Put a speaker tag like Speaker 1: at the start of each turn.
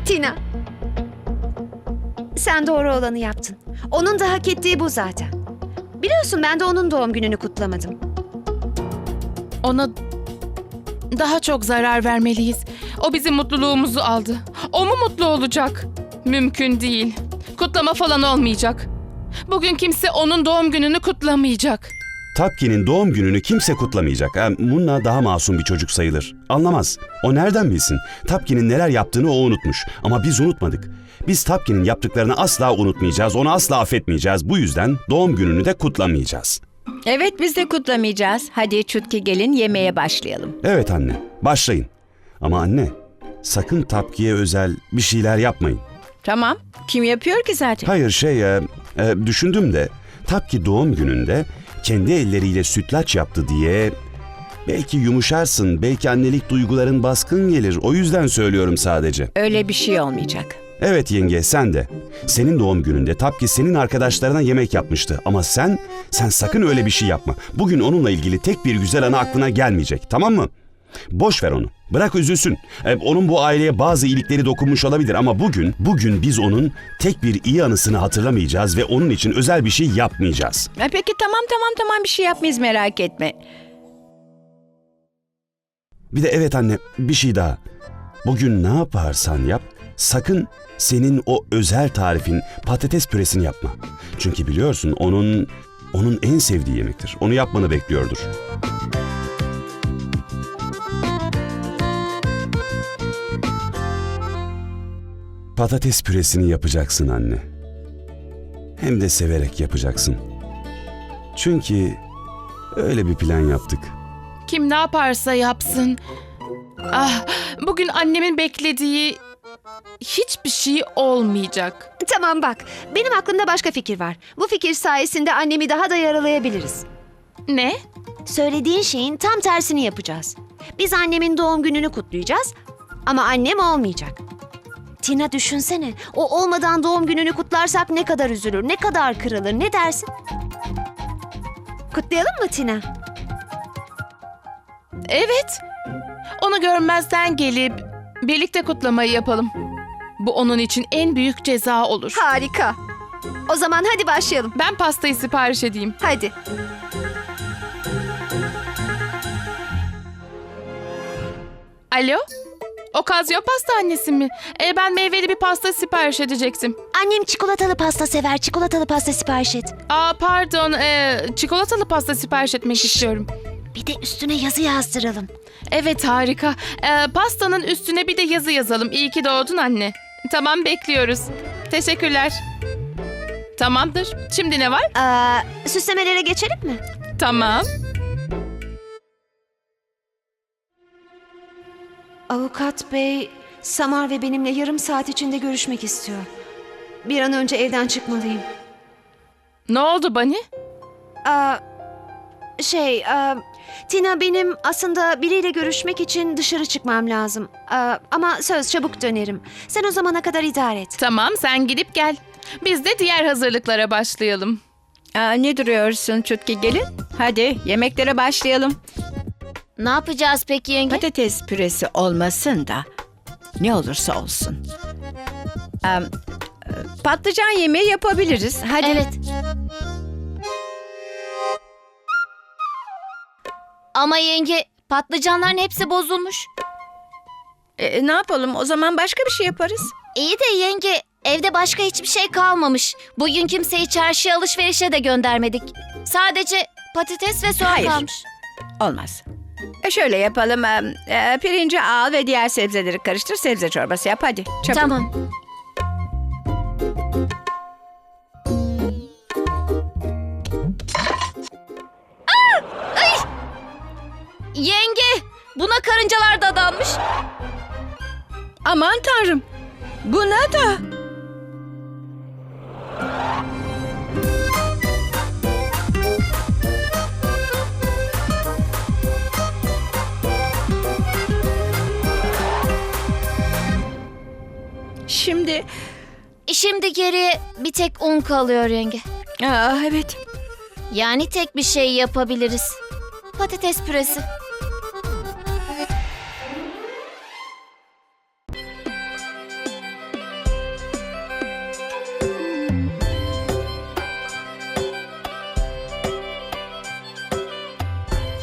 Speaker 1: Tina, sen doğru olanı yaptın. Onun da hak ettiği bu zaten. Biliyorsun ben de onun doğum gününü kutlamadım.
Speaker 2: Ona daha çok zarar vermeliyiz. O bizim mutluluğumuzu aldı. O mu mutlu olacak? Mümkün değil. Kutlama falan olmayacak. Bugün kimse onun doğum gününü kutlamayacak.
Speaker 3: Tapki'nin doğum gününü kimse kutlamayacak. Munna daha masum bir çocuk sayılır. Anlamaz. O nereden bilsin? Tapki'nin neler yaptığını o unutmuş. Ama biz unutmadık. Biz Tapki'nin yaptıklarını asla unutmayacağız. Onu asla affetmeyeceğiz. Bu yüzden doğum gününü de kutlamayacağız.
Speaker 4: Evet, biz de kutlamayacağız. Hadi Çutki gelin yemeğe başlayalım.
Speaker 3: Evet anne, başlayın. Ama anne, sakın Tapki'ye özel bir şeyler yapmayın.
Speaker 4: Tamam. Kim yapıyor ki zaten?
Speaker 3: Hayır düşündüm de Tapki doğum gününde kendi elleriyle sütlaç yaptı diye belki yumuşarsın, belki annelik duyguların baskın gelir. O yüzden söylüyorum sadece.
Speaker 4: Öyle bir şey olmayacak.
Speaker 3: Evet yenge, sen de. Senin doğum gününde Tapki senin arkadaşlarına yemek yapmıştı. Ama sen sakın öyle bir şey yapma. Bugün onunla ilgili tek bir güzel anı aklına gelmeyecek, tamam mı? Boş ver onu. Bırak üzülsün. Onun bu aileye bazı iyilikleri dokunmuş olabilir ama bugün biz onun tek bir iyi anısını hatırlamayacağız ve onun için özel bir şey yapmayacağız.
Speaker 4: Peki tamam bir şey yapmayız, merak etme.
Speaker 3: Bir de evet anne, bir şey daha. Bugün ne yaparsan yap, sakın senin o özel tarifin patates püresini yapma. Çünkü biliyorsun onun en sevdiği yemektir. Onu yapmanı bekliyordur. Patates püresini yapacaksın anne. Hem de severek yapacaksın. Çünkü öyle bir plan yaptık.
Speaker 2: Kim ne yaparsa yapsın. Bugün annemin beklediği hiçbir şey olmayacak.
Speaker 1: Tamam bak, benim aklımda başka fikir var. Bu fikir sayesinde annemi daha da yaralayabiliriz.
Speaker 2: Ne?
Speaker 1: Söylediğin şeyin tam tersini yapacağız. Biz annemin doğum gününü kutlayacağız ama annem olmayacak. Tina düşünsene, o olmadan doğum gününü kutlarsak ne kadar üzülür, ne kadar kırılır, ne dersin? Kutlayalım mı Tina?
Speaker 2: Evet. Onu görmezden gelip birlikte kutlamayı yapalım. Bu onun için en büyük ceza olur.
Speaker 1: Harika. O zaman hadi başlayalım.
Speaker 2: Ben pastayı sipariş edeyim.
Speaker 1: Hadi.
Speaker 2: Alo? Okazyo pasta annesi mi? Ben meyveli bir pasta sipariş edecektim.
Speaker 1: Annem çikolatalı pasta sever, çikolatalı pasta sipariş et.
Speaker 2: Pardon, çikolatalı pasta sipariş etmek istiyorum.
Speaker 1: Bir de üstüne yazı yazdıralım.
Speaker 2: Evet, harika. Pastanın üstüne bir de yazı yazalım. İyi ki doğdun anne. Tamam, bekliyoruz. Teşekkürler. Tamamdır. Şimdi ne var?
Speaker 1: Süslemelere geçelim mi?
Speaker 2: Tamam.
Speaker 1: Avukat bey, Samar ve benimle yarım saat içinde görüşmek istiyor. Bir an önce evden çıkmalıyım.
Speaker 2: Ne oldu Bani?
Speaker 1: Tina, benim aslında biriyle görüşmek için dışarı çıkmam lazım. Ama söz, çabuk dönerim. Sen o zamana kadar idare et.
Speaker 2: Tamam, sen gidip gel. Biz de diğer hazırlıklara başlayalım.
Speaker 4: Ne duruyorsun Çutki gelin? Hadi yemeklere başlayalım.
Speaker 5: Ne yapacağız peki yenge?
Speaker 4: Patates püresi olmasın da ne olursa olsun. Patlıcan yemeği yapabiliriz. Hadi.
Speaker 5: Evet. Ama yenge, patlıcanların hepsi bozulmuş.
Speaker 4: Ne yapalım, o zaman başka bir şey yaparız.
Speaker 5: İyi de yenge, evde başka hiçbir şey kalmamış. Bugün kimseyi çarşıya alışverişe de göndermedik. Sadece patates ve soğan
Speaker 4: Hayır.
Speaker 5: kalmış.
Speaker 4: Olmaz. Şöyle yapalım. Pirinci al ve diğer sebzeleri karıştır. Sebze çorbası yap hadi. Çabuk.
Speaker 5: Tamam. Ay! Yenge, buna karıncalar dadanmış.
Speaker 4: Aman tanrım. Buna da.
Speaker 5: Şimdi geriye bir tek un kalıyor yenge.
Speaker 4: Evet.
Speaker 5: Yani tek bir şey yapabiliriz. Patates püresi.